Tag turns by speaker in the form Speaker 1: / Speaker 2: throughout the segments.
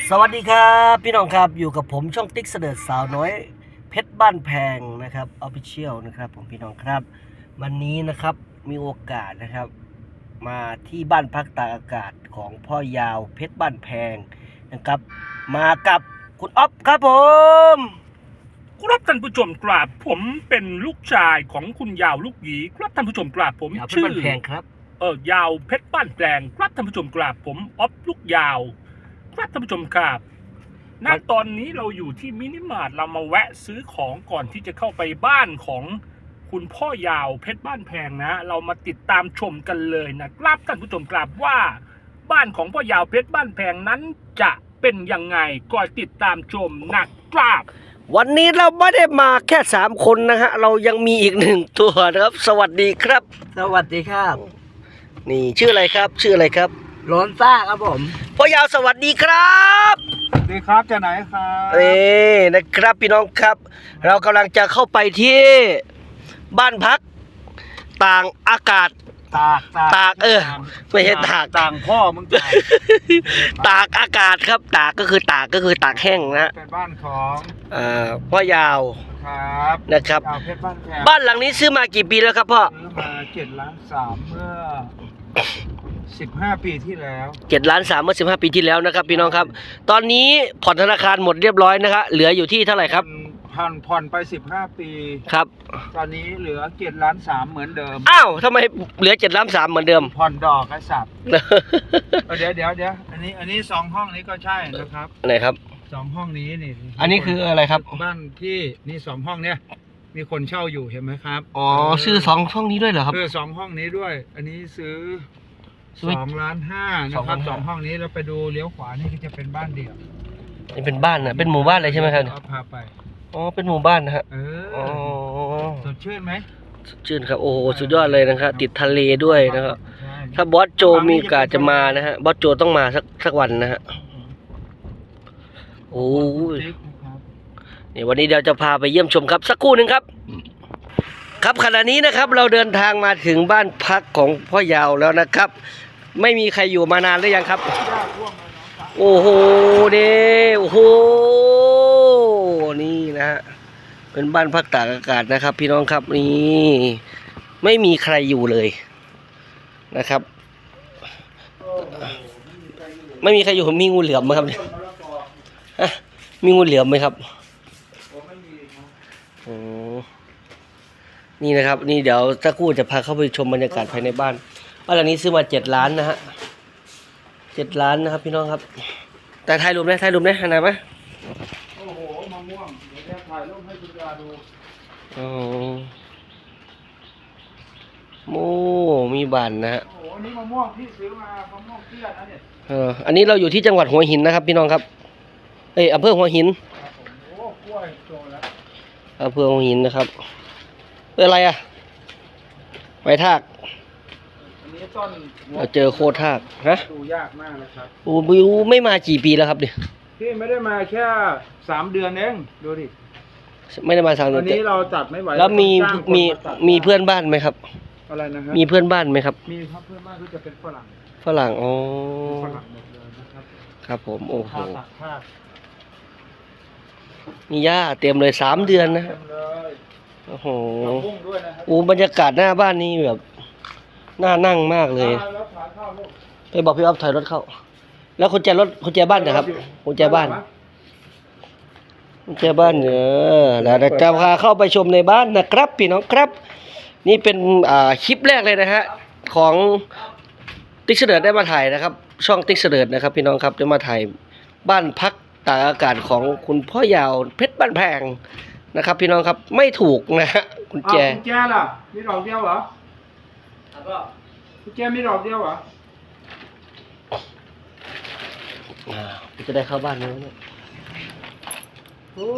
Speaker 1: สวัสดีครับพี่น้องครับอยู่กับผมช่องติ๊กเสด็จสาวน้อยเพชรบ้านแพงนะครับออฟฟิเชียลนะครับผมพี่น้องครับวันนี้นะครับมีโอกาสนะครับมาที่บ้านพักตากอากาศของพ่อยาวเพชรบ้านแพงนะครับมากับคุณอ๊อฟครับผม
Speaker 2: ครับท่านผู้ชมกราบผมเป็นลูกชายของคุณยาวลูกหยีครับท่านผู้ชมกราบผม
Speaker 1: ยาวเพชร
Speaker 2: ชื่อ
Speaker 1: บ้านแพงครับ
Speaker 2: ยาวเพชรบ้านแพงครับท่านผู้ชมกราบผมอ๊อฟลูกยาวครับท่านผู้ชมครับณตอนนี้เราอยู่ที่มินิมาร์ทเรามาแวะซื้อของก่อนที่จะเข้าไปบ้านของคุณพ่อยาวเพชรบ้านแพงนะเรามาติดตามชมกันเลยนะครับท่านผู้ชมกราบว่าบ้านของพ่อยาวเพชรบ้านแพงนั้นจะเป็นยังไงก่อนติดตามชมนะครับ
Speaker 1: วันนี้เราไม่ได้มาแค่3คนนะฮะเรายังมีอีก1ตัวนะครับสวัสดีครับ
Speaker 3: สวัสดีครับ
Speaker 1: นี่ชื่ออะไรครับชื่ออะไรครับ
Speaker 3: โลนซ่าครับผม
Speaker 1: พ่อยาวสวัสดีครับ
Speaker 3: สวัสดีครับจะไหนครับ
Speaker 1: นี่นะครับพี่น้องครับ เรากำลังจะเข้าไปที่บ้านพักต่างอากาศ ตากไม่ใช่ตาก
Speaker 3: ต่างพ่อมึงตาก
Speaker 1: ตากอากาศครับตากก็คือตากแห้งนะ
Speaker 3: เป็นบ้านของ
Speaker 1: พ่อยาว
Speaker 3: ครับ
Speaker 1: นะครับ
Speaker 3: ยาวเพชรบ้านแพง
Speaker 1: บ้านหลังนี้ซื้อมากี่ปีแล้วครับพ่อ
Speaker 3: ซื้อมา7.3 ล้านเมื่อ15 ปีที่แล้ว
Speaker 1: 7.3 ล้านเมื่อ15 ปีที่แล้วนะครับพี่น้องครับตอนนี้ผ่อนธนาคารหมดเรียบร้อยนะครับเหลืออยู่ที่เท่าไหร่ครับ
Speaker 3: ผ่อนไป15 ปี
Speaker 1: ครับ
Speaker 3: ตอนนี้เหลือ7.3 ล้านเหมือนเดิม
Speaker 1: อ้าวทำไมเหลือ7.3 ล้านเหมือนเดิม
Speaker 3: ผ่อนดอกไอ้สัตว์เดี๋ยวอันนี้2 ห้องนี้ก็ใช่นะครับ
Speaker 1: ไหนครับ
Speaker 3: 2 ห้องนี้นี่
Speaker 1: อันนี้คืออะไรครับ
Speaker 3: บ้านที่นี่2 ห้องเนี่ยมีคนเช่าอยู่เห็นไหมครับ
Speaker 1: อ๋อซื้อ2 ห้องนี้ด้วยเหรอครับ
Speaker 3: 2 ห้องนี้ด้วย อันนี้ซื้อ
Speaker 1: ซื้อ
Speaker 3: 2.5 ล้านนะครับ
Speaker 1: 2.5
Speaker 3: 2 ห้องนี้เราไปดูเลี้ยวขวานี่ก็จะเป็นบ้านเดี่ยว
Speaker 1: นี่เป็นบ้านนะเป็นหมู่บ้านเลยใช่ไหมครับ
Speaker 3: เอาพาไป
Speaker 1: อ๋อเป็นหมู่บ้านนะฮะ อ๋อ
Speaker 3: สดชื่นไหม
Speaker 1: สดชื่นครับโอ้โหสุดยอดเลยนะครับติดทะเลด้วยนะครับ
Speaker 3: ใช่
Speaker 1: ถ้าบอสโจมีโอกาสจะมานะฮะบอสโจต้องมาสักวันนะฮะโอ้ย
Speaker 3: นะครับ
Speaker 1: นี่วันนี้เราจะพาไปเยี่ยมชมครับสักครู่หนึ่งครับ ครับขณะนี้นะครับเราเดินทางมาถึงบ้านพักของพ่อยาวแล้วนะครับ ไม่มีใครอยู่มานานหรือยังครับ โอ้โหเด้โอ้โหนี่นะฮะเป็นบ้านพักตากอากาศนะครับ พี่น้องครับนี่ไม่มีใครอยู่เลยนะครับ ไม่มีใครอยู่มีงูเหลือมไหมครับเนี่ยฮะมีงูเหลือมไหมครับโอ้นี่นะครับ นี่เดี๋ยวสักครู่จะพาเข้าไปชมบรรยากาศภายในบ้านบ้านหลังนี้ซื้อมา7 ล้านนะฮะ7 ล้านนะครับ พี่น้องครับแต่ถ่ายรูปนะถ่ายรูปนะเห็นไหม
Speaker 3: โอ้โหมะม่วงเดี๋ยวจะถ่ายรูปให้คุณยาดู
Speaker 1: อ๋อโอ้มีบ้านนะฮะ
Speaker 3: โอ้โหอันนี้มะม่วงที่ซื้อมามะม่วงเตี้ยนะเนี่ย
Speaker 1: อันนี้เราอยู่ที่จังหวัดหัวหินนะครับ พี่น้องครับอำเภอหัวหิน
Speaker 3: ครับผมโอ้กล้วยโตแล้ว
Speaker 1: อำเภอหัวหินนะครับเป็นอะไรอ่ะไม้ทาก
Speaker 3: อันนี้ต้น
Speaker 1: เราเจอโคตรทากฮะ
Speaker 3: ดูยากมากนะครับ
Speaker 1: โอ้บิวไม่มากี่ปีแล้วครับเนี่ย
Speaker 3: พี่ไม่ได้มาแค่3 เดือนเองดูดิ
Speaker 1: ไม่ได้มาทาง
Speaker 3: วัน
Speaker 1: นี้
Speaker 3: นี้เราจัดไม่ไหว
Speaker 1: แล้วมี
Speaker 3: ต้องจ้างคน
Speaker 1: มี
Speaker 3: าตัด
Speaker 1: มีเพื่อนบ้านไหมครับ
Speaker 3: อะไรนะฮะ
Speaker 1: มีเพื่อนบ้านไหมครับ
Speaker 3: มีครับเพื่อนบ้านที่จะเป็นฝรั่ง
Speaker 1: ฝรั่งอ๋อ
Speaker 3: ฝรั่งหมดเลยนะครับ
Speaker 1: ครับผมโอ้โห
Speaker 3: ผ้าตัดผ้า
Speaker 1: มีหญ้าเต็มเลย3 เดือนนะ
Speaker 3: เต็มเลย
Speaker 1: โอ้โห
Speaker 3: ผักบุ้งด้วยนะครับ
Speaker 1: โอ้บรรยากาศหน้าบ้านนี้แบบน่านั่งมากเลย
Speaker 3: แล้วขายข้าวลูก
Speaker 1: ไปบอกพี่อ๊อฟถอยรถเข้า แล้วกุญแจรถกุญแจบ้านนะครับกุญแจบ้านกุญแจบ้านแล้วจะพาเข้าไปชมในบ้านนะครับพี่น้องครับ นี่เป็นคลิปแรกเลยนะฮะของติ๊กเสดิร์ดได้มาถ่ายนะครับ ช่องติ๊กเสดิร์ดนะครับ พี่น้องครับได้มาถ่ายบ้านพักตากอากาศของคุณพ่อยาวเพชรบ้านแพงนะครับ พี่น้องครับไม่ถูกนะฮะกุญแจ
Speaker 3: กุญแจล่ะมีดอกเดียวเหรอกุญแจมีดอกเดียวเหรอ
Speaker 1: จะได้เข้าบ้านแล้วเนี่ยโอ้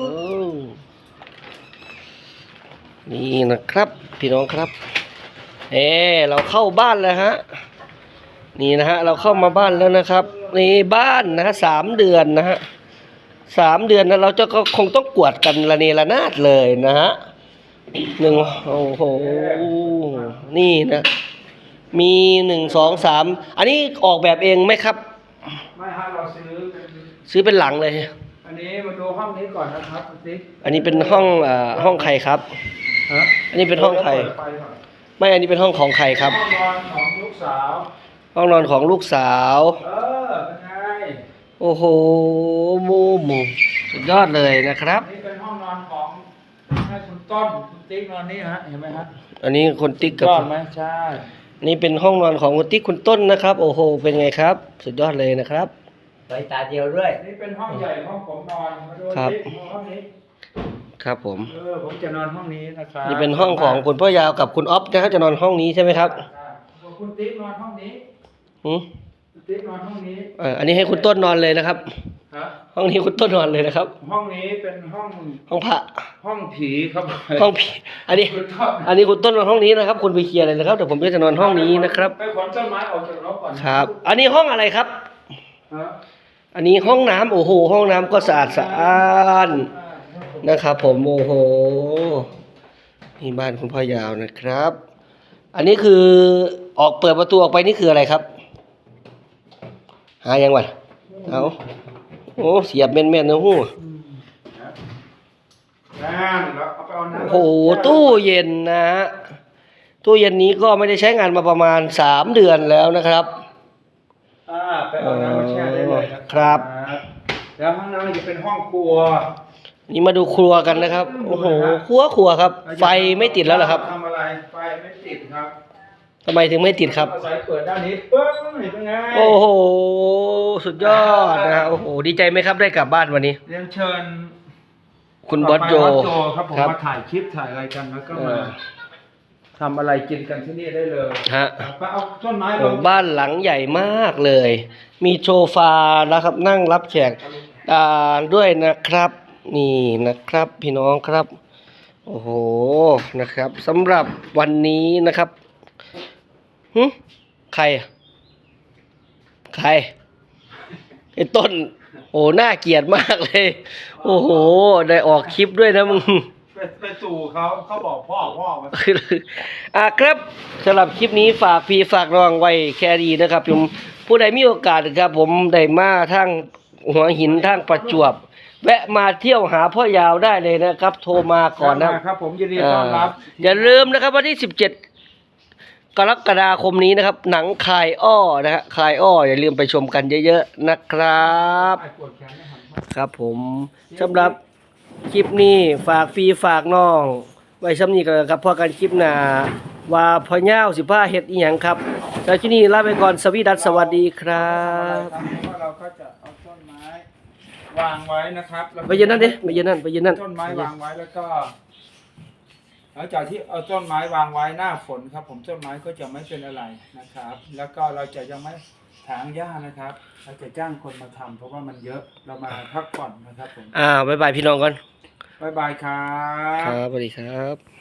Speaker 1: นี่นะครับ พี่น้องครับเราเข้าบ้านแล้วฮะนี่นะฮะเราเข้ามาบ้านแล้วนะครับนี่บ้านนะฮะ3 เดือนนะฮะ3 เดือนนะเราจะก็คงต้องกวาดกันระเนระนาดเลยนะฮะโอ้โหนี่นะมี1 2 3อันนี้ออกแบบเองไหมครับ
Speaker 3: ไม่ฮะเราซื้อเป็น
Speaker 1: ซื้อเป็นหลังเลย
Speaker 3: อันนี้มาดูห้องนี้ก่อนนะครับคุณติ๊ก
Speaker 1: อันนี้เป็นห้องห้องใครครับ
Speaker 3: ฮะ
Speaker 1: อันนี้เป็นห้องใคร
Speaker 3: เปิดไฟก่อน
Speaker 1: ไม่อันนี้เป็นห้องของใครครับ
Speaker 3: ห้องนอนของลูกสาว
Speaker 1: ห้องนอนของลูกสาว
Speaker 3: เป็นไง
Speaker 1: โอ้โหมูสุดยอดเลยนะครับ
Speaker 3: นี่เป็นห้องนอนของให้คุณต้นคุณติ๊กนอนนี่ฮะเห็นไหมฮะ
Speaker 1: อันนี้คนติ๊กกับ
Speaker 3: ยอดไหมใช่
Speaker 1: นี่เป็นห้องนอนของคุณติ๊กคุณต้นนะครับ โอ้โหเป็นไงครับ สุดยอดเลยนะครับ
Speaker 4: สายตาเดียวด้วย
Speaker 3: นี่เป็นห้องใหญ่ห้องผมนอนมาดู
Speaker 1: ครับ
Speaker 3: ติ๊กห้องนี้
Speaker 1: ครับผม
Speaker 3: ผมจะนอนห้องนี้นะครับ
Speaker 1: นี่เป็นห้องของคุณพ่อยาวกับคุณอ๊อฟนะครับจะนอนห้องนี้ใช่ไหมครับ
Speaker 3: คุณติ๊กนอนห้องนี้
Speaker 1: หืม
Speaker 3: คุณติ๊กนอนห้องนี้
Speaker 1: อันนี้ให้คุณต้นนอนเลยนะครับ
Speaker 3: ฮะ
Speaker 1: ห้องนี้คุณต้นนอนเลยนะครับ
Speaker 3: ห้องนี้เป็นห้อง
Speaker 1: ห้องพระ
Speaker 3: ห้องผีครับ
Speaker 1: ห้องผีอันนี้
Speaker 3: คุณต้น
Speaker 1: อันนี้คุณต้นนอนห้องนี้นะครับ คุณไปเคลียร์เลยนะครับเดี๋ยวผมก็จะนอนห้องนี้นะครับ
Speaker 3: ไปขนต้นไม้ออกจากรถก่อน
Speaker 1: ครับ อันนี้ห้องอะไรครับ
Speaker 3: ฮะ
Speaker 1: อันนี้ห้องน้ำโอ้โหห้องน้ำก็สะอาดสะอ้านนะครับ ผมโอ้โหนี่บ้านคุณพ่อยาวนะครับ อันนี้คือออกเปิดประตูออกไปนี่คืออะไรครับ หายังวะเอาโอ้เสียบแม่นๆนะฮู้
Speaker 3: นั่นแล้วเอาไปเอาน้ำ
Speaker 1: โอ้โหตู้เย็นนะฮะตู้เย็นนี้ก็ไม่ได้ใช้งานมาประมาณ3 เดือนแล้วนะครับ
Speaker 3: ไปเอาน้ำมาแช่ได้เลยนะครับ แล้วห้องน้ำจะเป็นห้องครัว
Speaker 1: นี่มาดูครัวกันนะครับ โอ้โหครัวครับ ไฟไม่ติดแล้วเหรอครับ
Speaker 3: ทำอะไรไฟไม่ติดครับ
Speaker 1: ทำไมถึงไม่ติดครับ
Speaker 3: อาศัยเปิดด้านนี้ปึ๊บเป็นไง
Speaker 1: โอ้โห สุดยอดนะฮะโอ้โห ดีใจไหมครับได้กลับบ้านวันนี้
Speaker 3: เรียนเชิญ
Speaker 1: คุณบอสโจ
Speaker 3: บอสโจครับผม
Speaker 1: ครับ
Speaker 3: มาถ่ายคลิปถ่ายอะไรกันแล้วก็
Speaker 1: เอ
Speaker 3: มา
Speaker 1: อ
Speaker 3: ทำอะไรกินกันที่นี่ได้เลย
Speaker 1: ฮะ
Speaker 3: ไปเอาต้นไม้ล
Speaker 1: โอ้
Speaker 3: ง
Speaker 1: บ้านหลังใหญ่มากเลย มีโซฟานะครับ นั่งรับแขกด้วยนะครับ นี่นะครับ พี่น้องครับ โอ้โหนะครับสำหรับวันนี้นะครับใครอะใครไอ้ต้น โอ้น่าเกลียดมากเลย โอ้โห ได้ออกคลิปด้วยนะมึง
Speaker 3: ไปสู่เขาบอกพ่อมา
Speaker 1: ครับสำหรับคลิปนี้ฝากพี่ฝากน้องไว้แค่ดีนะครับผมผู้ใดมีโอกาสครับ ผมได้มาทางหัวหินทางประจวบ แวะมาเที่ยวหาพ่อยาวได้เลยนะครับ โทรมาก่อนนะครับ
Speaker 3: ผมยินดีต้อนรับ
Speaker 1: อย่าลืมนะครับวันที่17 กรกฎาคมนี้นะครับ หนังคายอ้อนะฮะคายอ้ออย่าลืมไปชมกันเยอะๆนะครับ
Speaker 3: ปวดแขนไม่หัน
Speaker 1: ครับผมสำหรับคลิปนี้ฝากฟรีฝากน้องไว้ซ้ำนี้กันครับพอกันคลิปหน้าว่าพ่อย่าวสิผ้าเฮ็ดอีหยังครับแล้วที่นี่ลาไปก่อนสวีดัสสวัสดีครับ
Speaker 3: เราก็จะเอาต้นไม้วางไว้นะครับแล้วก็
Speaker 1: ไปยืนนั่นดิไปยืนนั่นไปยืนนั่น
Speaker 3: ต้นไม้วางไว้แล้วก็หลังจากที่เอาต้นไม้วางไว้หน้าฝนครับ ผมต้นไม้ก็จะไม่เป็นอะไรนะครับ แล้วก็เราจะยังไม่ถางหญ้านะครับ เราจะจ้างคนมาทำเพราะว่ามันเยอะเรามาพักผ่อนนะครับผม
Speaker 1: บ๊ายบายพี่น้องก่อน
Speaker 3: บ๊ายบายครั
Speaker 1: ครับ บสวัสดีครับ